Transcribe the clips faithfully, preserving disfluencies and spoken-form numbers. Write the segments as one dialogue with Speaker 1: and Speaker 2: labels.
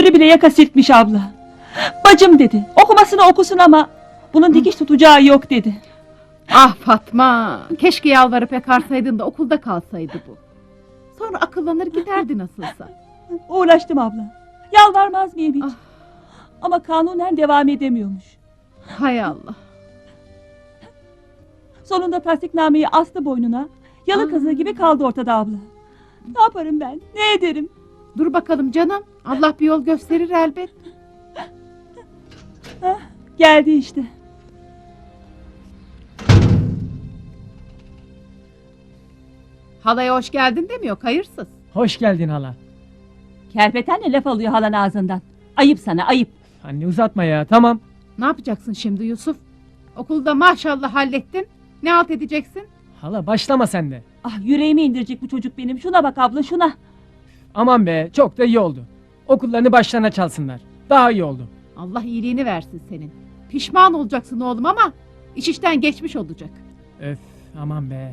Speaker 1: Yüzünü bile yaka silkmiş abla. Bacım dedi, okumasını okusun ama bunun dikiş tutacağı yok dedi.
Speaker 2: Ah Fatma, keşke yalvarıp yakarsaydın da okulda kalsaydı bu. Sonra akıllanır giderdi nasılsa.
Speaker 1: Uğraştım abla. Yalvarmaz mıyım hiç?
Speaker 2: Ah.
Speaker 1: Ama kanunen devam edemiyormuş.
Speaker 2: Hay Allah.
Speaker 1: Sonunda tasdiknameyi astı boynuna. Yalı
Speaker 2: Aa.
Speaker 1: kazığı gibi kaldı ortada abla. Ne yaparım ben? Ne ederim?
Speaker 2: Dur bakalım canım, Allah bir yol gösterir elbet.
Speaker 1: Hah, geldi işte.
Speaker 2: Halaya hoş geldin demiyor, hayırsız.
Speaker 3: Hoş geldin hala.
Speaker 1: Kerpetenle laf alıyor halan ağzından. Ayıp sana, ayıp.
Speaker 3: Anne uzatma ya, tamam.
Speaker 2: Ne yapacaksın şimdi Yusuf? Okulda maşallah hallettin. Ne halt edeceksin?
Speaker 3: Hala başlama sen de.
Speaker 1: Ah, yüreğimi indirecek bu çocuk benim. Şuna bak abla, şuna.
Speaker 3: Aman be, çok da iyi oldu. Okullarını başlarına çalsınlar. Daha iyi oldu.
Speaker 2: Allah iyiliğini versin senin. Pişman olacaksın oğlum ama iş işten geçmiş olacak.
Speaker 3: Öf, aman be.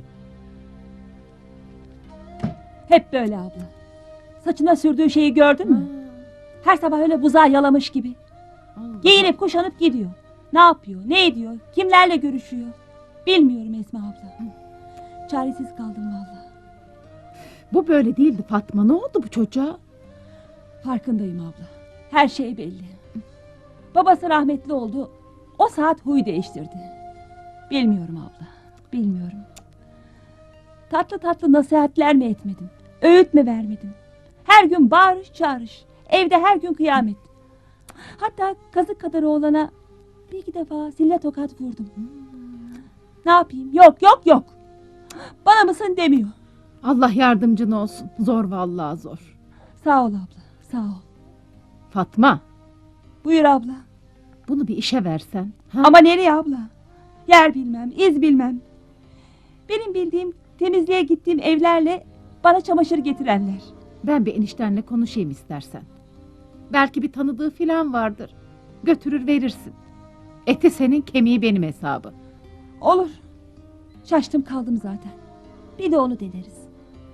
Speaker 1: Hep böyle abla. Saçına sürdüğü şeyi gördün mü? Her sabah öyle buzağı yalamış gibi.
Speaker 2: Allah.
Speaker 1: Giyinip kuşanıp gidiyor. Ne yapıyor, ne ediyor, kimlerle görüşüyor? Bilmiyorum Esma abla. Çaresiz kaldım vallahi.
Speaker 2: Bu böyle değildi Fatma, ne oldu bu çocuğa?
Speaker 1: Farkındayım abla. Her şey belli. Babası rahmetli oldu. O saat huy değiştirdi. Bilmiyorum abla. Bilmiyorum. Tatlı tatlı nasihatler mi etmedim? Öğüt mü vermedim? Her gün bağırış çağırış. Evde her gün kıyamet. Hatta kazık kadar oğlana bir iki defa sille tokat vurdum. Ne yapayım? Yok yok yok. Bana mısın demiyor.
Speaker 2: Allah yardımcın olsun. Zor vallahi zor.
Speaker 1: Sağ ol abla. Sağ ol.
Speaker 2: Fatma,
Speaker 1: Buyur abla.
Speaker 2: bunu bir işe versen. Ha?
Speaker 1: Ama nereye abla? Yer bilmem, iz bilmem. Benim bildiğim temizliğe gittiğim evlerle bana çamaşır getirenler.
Speaker 2: Ben bir eniştenle konuşayım istersen. Belki bir tanıdığı filan vardır. Götürür verirsin. Eti senin, kemiği benim hesabı.
Speaker 1: Olur. Şaştım kaldım zaten. Bir de onu deneriz.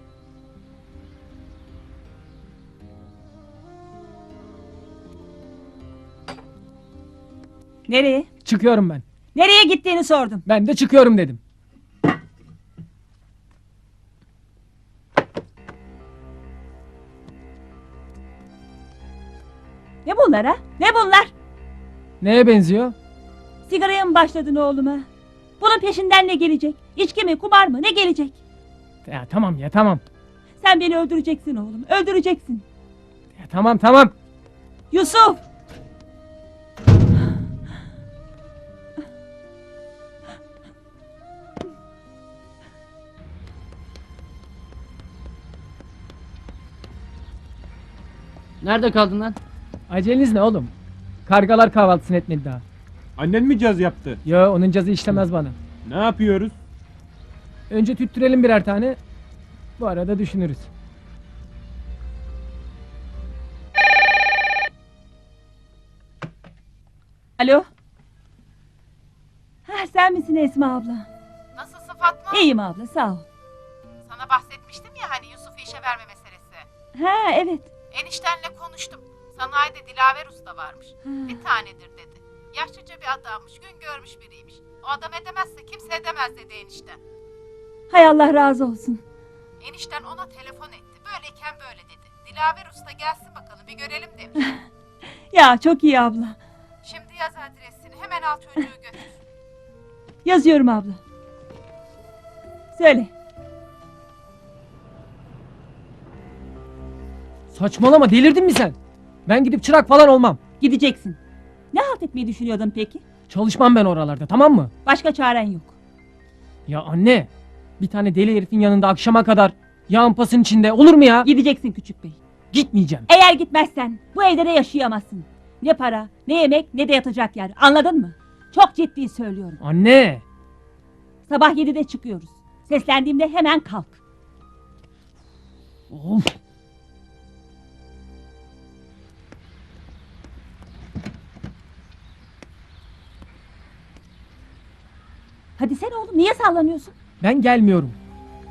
Speaker 1: Nereye?
Speaker 3: Çıkıyorum ben.
Speaker 1: Nereye gittiğini sordum.
Speaker 3: Ben de çıkıyorum dedim.
Speaker 1: Ne bunlar ha? Ne bunlar?
Speaker 3: Neye benziyor?
Speaker 1: Sigaraya mı başladın oğluma? Bunun peşinden ne gelecek? İçki mi, kumar mı? Ne gelecek?
Speaker 3: Ya tamam ya tamam.
Speaker 1: Sen beni öldüreceksin oğlum. Öldüreceksin.
Speaker 3: Ya tamam tamam.
Speaker 1: Yusuf!
Speaker 4: Nerede kaldın lan?
Speaker 3: Aceleniz ne oğlum? Kargalar kahvaltısını etmedi daha.
Speaker 5: Annen mi caz yaptı?
Speaker 3: Yo, onun cazı işlemez bana.
Speaker 5: Ne yapıyoruz?
Speaker 3: Önce tüttürelim birer tane. Bu arada düşünürüz.
Speaker 1: Alo? Ha, sen misin Esma abla?
Speaker 2: Nasılsın Fatma?
Speaker 1: İyiyim abla, sağ ol.
Speaker 2: Sana bahsetmiştim ya hani Yusuf'u işe verme meselesi.
Speaker 1: Ha, evet.
Speaker 2: Eniştenle konuştum. Sanayide Dilaver Usta varmış.
Speaker 1: Ha.
Speaker 2: Bir tanedir dedi. Yaşlıca bir adammış, gün görmüş biriymiş. O adam edemezse kimse edemez dedi enişten.
Speaker 1: Hay Allah razı olsun.
Speaker 2: Enişten ona telefon etti. Böyleyken böyle dedi. Dilaver Usta gelsin bakalım bir görelim demiş.
Speaker 1: Ya çok iyi abla.
Speaker 2: Şimdi yaz adresini, hemen al çocuğu götür.
Speaker 1: Yazıyorum abla. Söyle.
Speaker 3: Saçmalama, delirdin mi sen? Ben gidip çırak falan olmam.
Speaker 1: Gideceksin. Ne halt etmeyi düşünüyordun peki?
Speaker 3: Çalışmam ben oralarda, tamam mı?
Speaker 1: Başka çaren yok.
Speaker 3: Ya anne, bir tane deli herifin yanında akşama kadar yağın pasın içinde olur mu ya?
Speaker 1: Gideceksin küçük bey.
Speaker 3: Gitmeyeceğim.
Speaker 1: Eğer gitmezsen bu evde de yaşayamazsın. Ne para, ne yemek, ne de yatacak yer. Anladın mı? Çok ciddi söylüyorum.
Speaker 3: Anne!
Speaker 1: Sabah yedide çıkıyoruz. Seslendiğimde hemen kalk.
Speaker 3: Of!
Speaker 1: Hadi sen oğlum, niye sallanıyorsun?
Speaker 3: Ben gelmiyorum.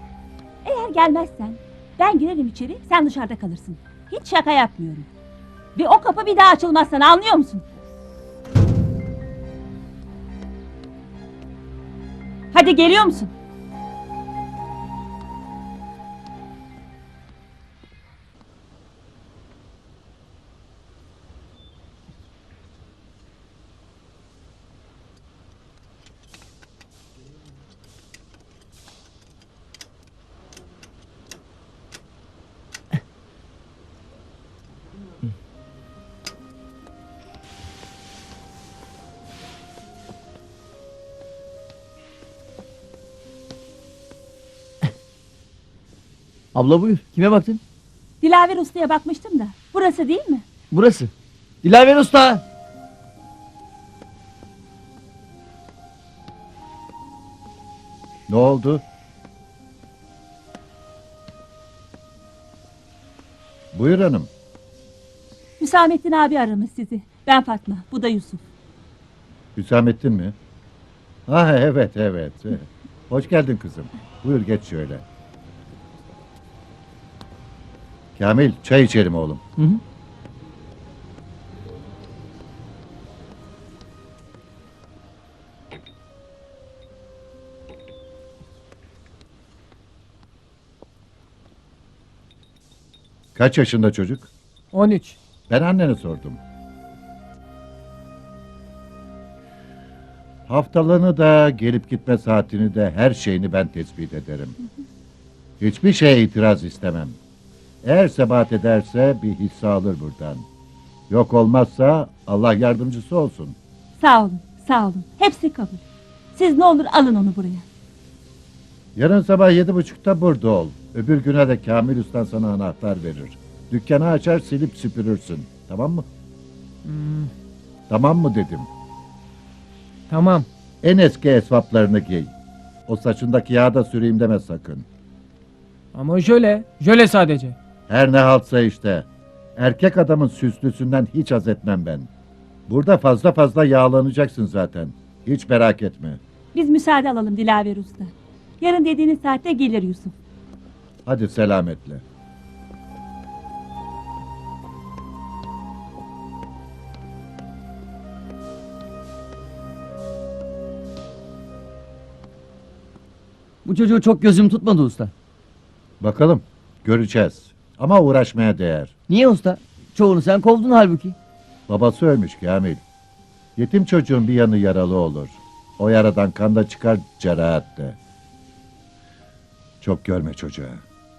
Speaker 1: Eğer gelmezsen ben girerim içeri, sen dışarıda kalırsın. Hiç şaka yapmıyorum. Ve o kapı bir daha açılmaz sana, anlıyor musun? Hadi geliyor musun?
Speaker 6: Abla buyur. Kime baktın?
Speaker 1: Dilaver Usta'ya bakmıştım da. Burası değil mi?
Speaker 6: Burası. Dilaver Usta.
Speaker 7: Ne oldu? Buyur hanım.
Speaker 1: Hüsamettin abi aramış sizi. Ben Fatma, bu da Yusuf.
Speaker 7: Hüsamettin mi? Ha evet evet. evet. Hoş geldin kızım. Buyur geç şöyle. Kamil çay içelim oğlum.
Speaker 6: Hı hı.
Speaker 7: Kaç yaşında çocuk?
Speaker 3: on üç.
Speaker 7: Ben annene sordum. Haftalığını da gelip gitme saatini de her şeyini ben tespit ederim. Hiçbir şeye itiraz istemem. Eğer sebat ederse bir hisse alır buradan. Yok olmazsa Allah yardımcısı olsun.
Speaker 1: Sağ olun, sağ olun. Hepsi kabul. Siz ne olur alın onu buraya.
Speaker 7: Yarın sabah yedi buçukta burada ol. Öbür güne de Kamil Usta sana anahtar verir. Dükkanı açar silip süpürürsün. Tamam mı? Tamam mı dedim.
Speaker 3: Tamam.
Speaker 7: En eski esvaplarını giy. O saçındaki yağı da süreyim deme sakın.
Speaker 3: Ama jöle. Jöle sadece.
Speaker 7: Her ne haltsa işte. Erkek adamın süslüsünden hiç haz etmem ben. Burada fazla fazla yağlanacaksın zaten. Hiç merak etme.
Speaker 1: Biz müsaade alalım Dilaver Usta. Yarın dediğiniz saatte gelir Yusuf.
Speaker 7: Hadi selametle.
Speaker 6: Bu çocuğu çok gözüm tutmadı usta.
Speaker 7: Bakalım. Göreceğiz. Ama uğraşmaya değer.
Speaker 6: Niye usta? Çoğunu sen kovdun halbuki.
Speaker 7: Babası ölmüş Kamil. Yetim çocuğun bir yanı yaralı olur. O yaradan kan da çıkar cerahat de. Çok görme çocuğa.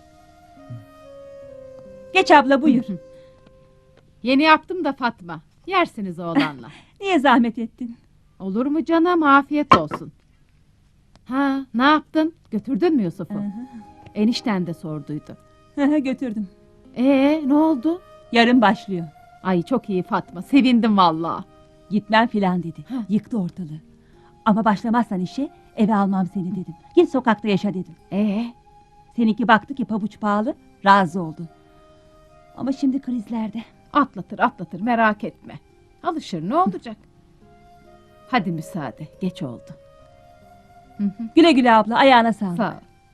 Speaker 1: Geç abla buyur.
Speaker 2: Yeni yaptım da Fatma. Yersiniz oğlanla.
Speaker 1: Niye zahmet ettin?
Speaker 2: Olur mu canım? Afiyet olsun. Ha, ne yaptın? Götürdün mü Yusuf'u? Enişten de sorduydu.
Speaker 1: Götürdüm.
Speaker 2: Ee, ne oldu?
Speaker 1: Yarın başlıyor.
Speaker 2: Ay çok iyi Fatma. Sevindim vallahi.
Speaker 1: Gitmem filan dedi. Yıktı ortalığı. Ama başlamazsan işe eve almam seni dedim. Git sokakta yaşa dedim.
Speaker 2: Ee,
Speaker 1: Seninki baktı ki pabuç pahalı, razı oldu. Ama şimdi krizlerde.
Speaker 2: atlatır atlatır merak etme. Alışır ne olacak? Hadi müsaade. Geç oldu.
Speaker 1: Güle güle abla, ayağına sağlık.
Speaker 2: Sağ ol.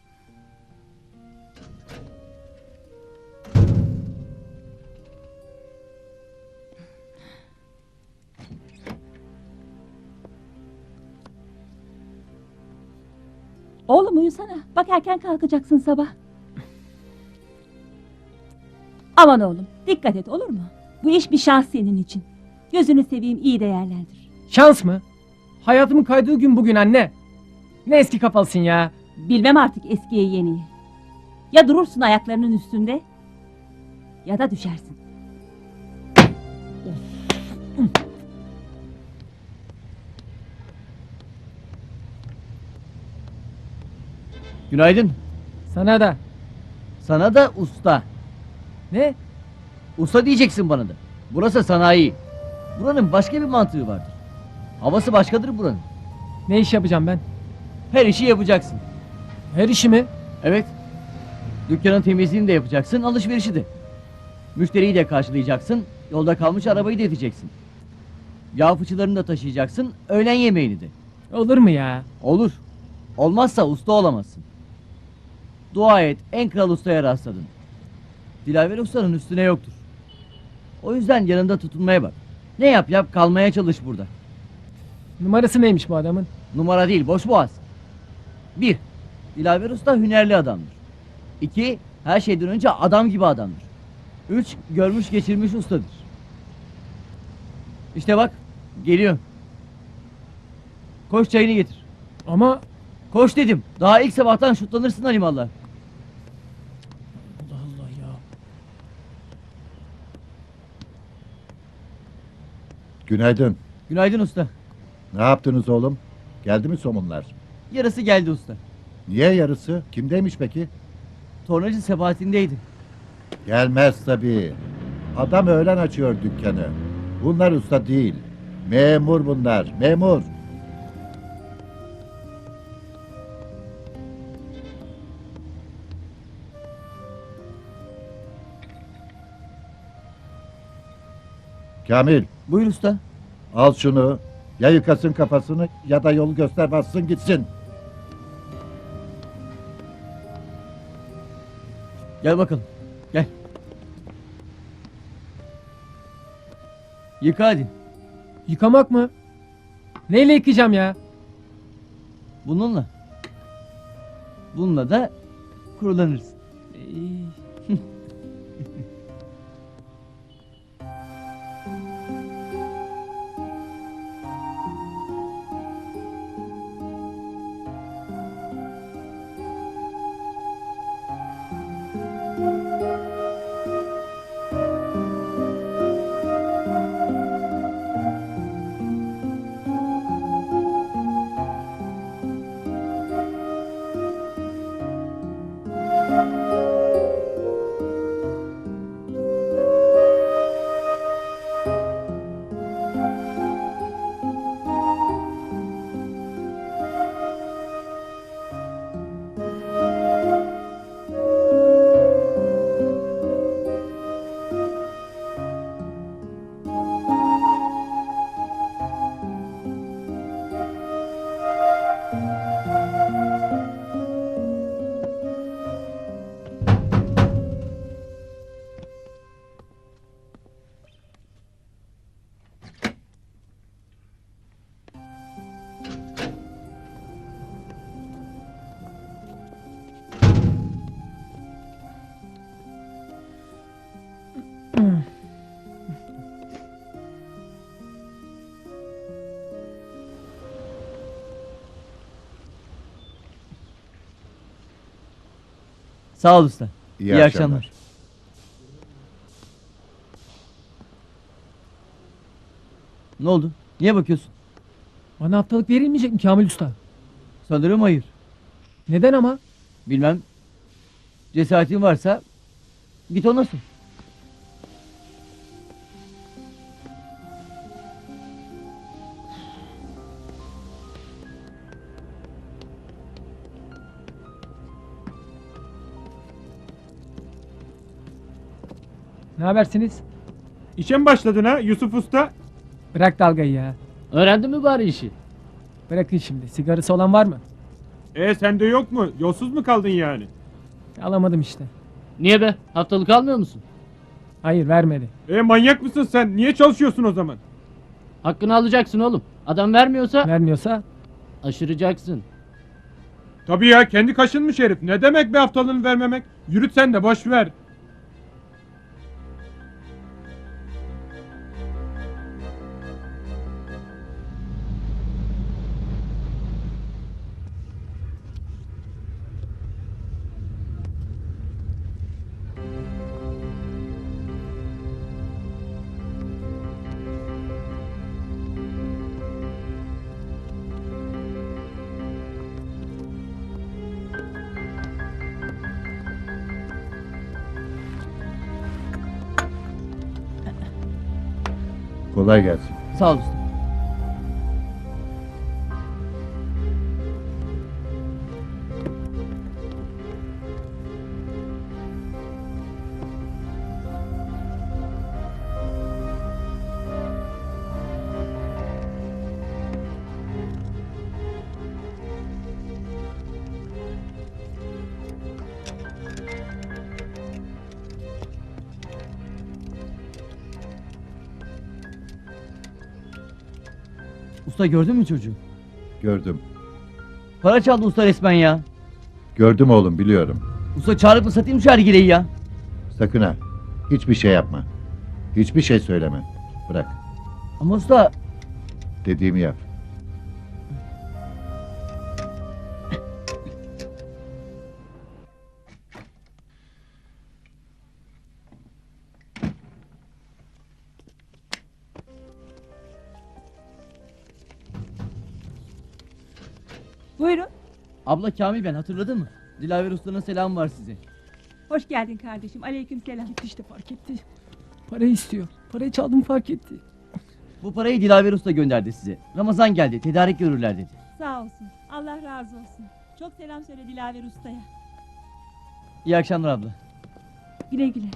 Speaker 1: Oğlum uyusana. Bak erken kalkacaksın sabah. Aman oğlum, dikkat et olur mu? Bu iş bir şans senin için. Gözünü seveyim, iyi değerlendir.
Speaker 3: Şans mı? Hayatımın kaydığı gün bugün anne. Ne eski kafalısın ya.
Speaker 1: Bilmem artık eskiye yeniyi. Ya durursun ayaklarının üstünde ya da düşersin.
Speaker 6: Günaydın.
Speaker 3: Sana da.
Speaker 6: Sana da usta.
Speaker 3: Ne?
Speaker 6: Usta diyeceksin bana da. Burası sanayi. Buranın başka bir mantığı vardır. Havası başkadır buranın.
Speaker 3: Ne iş yapacağım ben?
Speaker 6: Her işi yapacaksın.
Speaker 3: Her işimi.
Speaker 6: Evet. Dükkanın temizliğini de yapacaksın, alışverişi de. Müşteriyi de karşılayacaksın, yolda kalmış arabayı da edeceksin. Yağ fıçılarını da taşıyacaksın, öğlen yemeğini de.
Speaker 3: Olur mu ya?
Speaker 6: Olur. Olmazsa usta olamazsın. Dua et, en kral ustaya rastladın. Dilaver ustanın üstüne yoktur. O yüzden yanında tutunmaya bak. Ne yap yap kalmaya çalış burada.
Speaker 3: Numarası neymiş bu adamın?
Speaker 6: Numara değil, boş boğaz. Bir, Dilaver Usta hünerli adamdır. İki, her şeyden önce adam gibi adamdır. Üç, görmüş geçirmiş ustadır. İşte bak, geliyor. Koş çayını getir.
Speaker 3: Ama
Speaker 6: Koş dedim. Daha ilk sabahtan şutlanırsın Halimallah.
Speaker 3: Allah Allah ya.
Speaker 7: Günaydın.
Speaker 6: Günaydın usta.
Speaker 7: Ne yaptınız oğlum? Geldi mi somunlar?
Speaker 6: Yarısı geldi usta.
Speaker 7: Niye yarısı? Kimdeymiş peki?
Speaker 6: Tornacı sebatindeydi.
Speaker 7: Gelmez tabii. Adam öğlen açıyor dükkanı. Bunlar usta değil. Memur bunlar. Memur. Kamil,
Speaker 6: Buyur usta.
Speaker 7: al şunu. Ya yıkasın kafasını ya da yolu göster bassın gitsin.
Speaker 6: Gel bakalım. Gel. Yıka hadi.
Speaker 3: Yıkamak mı? Neyle yıkayacağım ya?
Speaker 6: Bununla. Bununla da kurulanırsın.
Speaker 3: Ee,
Speaker 6: Sağ ol usta.
Speaker 7: İyi
Speaker 6: İyi
Speaker 7: akşamlar.
Speaker 6: akşamlar. Ne oldu? Niye bakıyorsun?
Speaker 3: Bana haftalık verilmeyecek mi Kamil Usta?
Speaker 6: Sanırım hayır.
Speaker 3: Neden ama?
Speaker 6: Bilmem. Cesaretin varsa git ona sor.
Speaker 3: Ne habersiniz?
Speaker 5: İşe mi başladın ha Yusuf Usta?
Speaker 3: Bırak dalgayı ya.
Speaker 4: Öğrendin mi bari işi?
Speaker 3: Bırakın şimdi. Sigarası olan var mı?
Speaker 5: E sende yok mu? Yolsuz mu kaldın yani?
Speaker 3: Alamadım işte.
Speaker 4: Niye be? Haftalık almıyor musun?
Speaker 3: Hayır vermedi.
Speaker 5: E manyak mısın sen? Niye çalışıyorsun o zaman?
Speaker 4: Hakkını alacaksın oğlum. Adam vermiyorsa
Speaker 3: Vermiyorsa
Speaker 4: aşıracaksın.
Speaker 5: Tabii ya, kendi kaşınmış herif. Ne demek bir haftalığını vermemek? Yürüt sen de, boş ver.
Speaker 7: Kolay gelsin.
Speaker 6: Sağ ol usta. Usta gördün mü çocuğu?
Speaker 7: Gördüm.
Speaker 6: Para çaldı usta resmen ya.
Speaker 7: Gördüm oğlum, biliyorum.
Speaker 6: Usta çağırıp mı satayım şu hergileyi ya?
Speaker 7: Sakın ha. Hiçbir şey yapma. Hiçbir şey söyleme. Bırak.
Speaker 6: Ama usta
Speaker 7: Dediğimi yap.
Speaker 1: Buyurun.
Speaker 6: abla Kamil ben hatırladın mı? Dilaver Usta'nın selamı var size.
Speaker 1: Hoş geldin kardeşim. Aleyküm selam.
Speaker 3: İşte fark etti. Para istiyor. Parayı çaldım fark etti.
Speaker 6: Bu parayı Dilaver Usta gönderdi size. Ramazan geldi tedarik görürler dedi.
Speaker 1: Sağ olsun. Allah razı olsun. Çok selam söyle Dilaver Usta'ya.
Speaker 6: İyi akşamlar abla.
Speaker 1: Güle güle.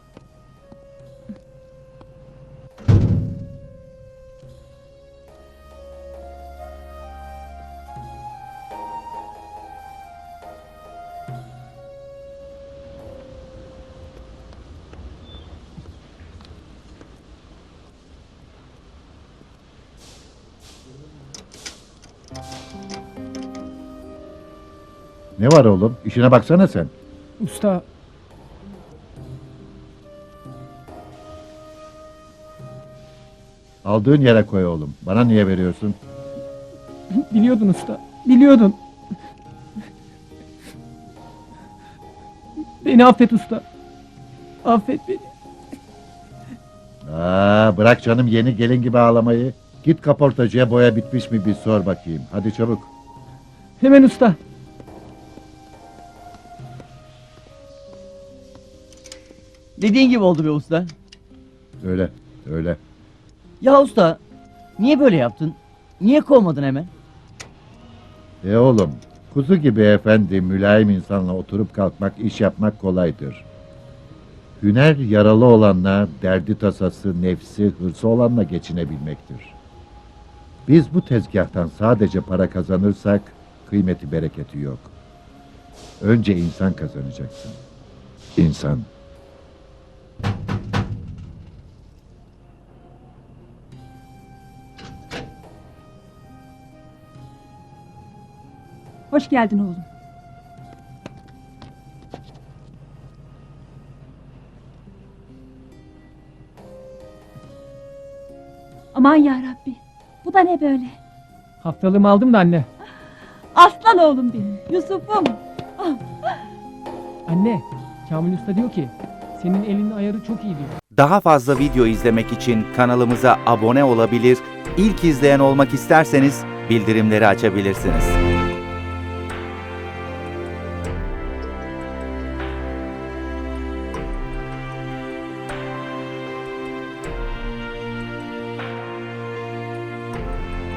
Speaker 7: Ne var oğlum? İşine baksana sen.
Speaker 3: Usta
Speaker 7: Aldığın yere koy oğlum. Bana niye veriyorsun?
Speaker 3: biliyordun usta. Biliyordun. Beni affet usta. Affet beni.
Speaker 7: Aa, bırak canım yeni gelin gibi ağlamayı. Git kaportacıya boya bitmiş mi bir sor bakayım. Hadi çabuk.
Speaker 3: Hemen usta.
Speaker 6: Dediğin gibi oldu be usta.
Speaker 7: Öyle, öyle.
Speaker 6: Ya usta niye böyle yaptın? Niye kovmadın hemen?
Speaker 7: E oğlum, kuzu gibi efendi, mülayim insanla oturup kalkmak, iş yapmak kolaydır. Hüner yaralı olanla, derdi tasası, nefsi, hırsı olanla geçinebilmektir. Biz bu tezgahtan sadece para kazanırsak, kıymeti bereketi yok. Önce insan kazanacaksın. İnsan.
Speaker 1: Hoş geldin oğlum. Aman ya Rabbi. Bu da ne böyle?
Speaker 3: Haftalığımı aldım da anne.
Speaker 1: Aslan oğlum benim. Yusuf'um.
Speaker 3: Anne, Kamil Usta diyor ki senin elinin ayarı çok iyi diyor.
Speaker 8: Daha fazla video izlemek için kanalımıza abone olabilir, ilk izleyen olmak isterseniz bildirimleri açabilirsiniz.